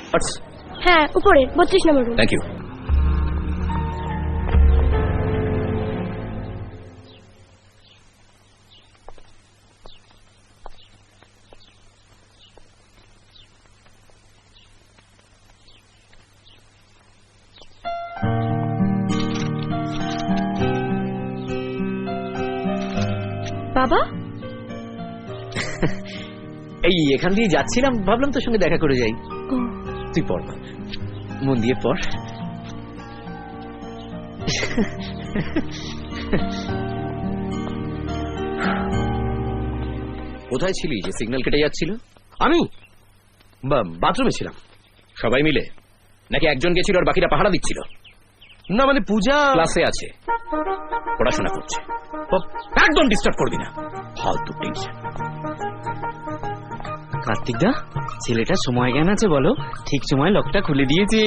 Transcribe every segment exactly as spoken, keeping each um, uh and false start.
হ্যাঁ উপরে বত্রিশ নম্বর রুম। Thank you. বাবা এই এখান দিয়ে যাচ্ছিলাম, ভাবলাম তোর সঙ্গে দেখা করে যাই। তুই পড় না, মন দিয়ে পড়। কোথায় ছিলি যে সিগন্যাল কেটে যাচ্ছিল? আমি বাথরুমে ছিলাম। সবাই মিলে নাকি একজন গেছিল আর বাকিরা পাহারা দিচ্ছিল? না মানে পূজা ক্লাসে আছে, পড়াশোনা করছে, একদম ডিস্টার্ব করবি না, ফালতু টেনশন। কার্তিক দা, ছেলেটা সময় জ্ঞান আছে বলো, ঠিক সময় লকটা খুলে দিয়েছে।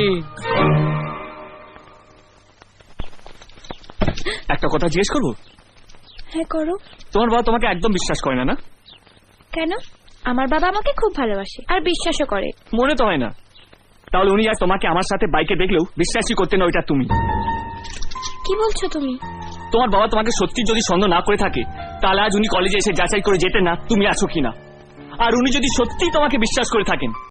একটা কথা জিজ্ঞেস করবো? হ্যাঁ করো। তোমার বাবা তোমাকে একদম বিশ্বাস করে না, না? কেন? আমার বাবা আমাকে খুব ভালোবাসে আর বিশ্বাসও করে। মনে তো হয় না। তাহলে উনি আর তোমাকে আমার সাথে বাইকে দেখলেও বিশ্বাসই করতে না ওইটা তুমি। কি বলছো তুমি? তোমার বাবা তোমাকে সত্যি যদি সন্দেহ না করে থাকে, তাহলে আজ উনি কলেজে এসে যাচাই করে যেতেন না তুমি আছো কিনা। আর উনি যদি সত্যি তোমাকে বিশ্বাস করে থাকেন,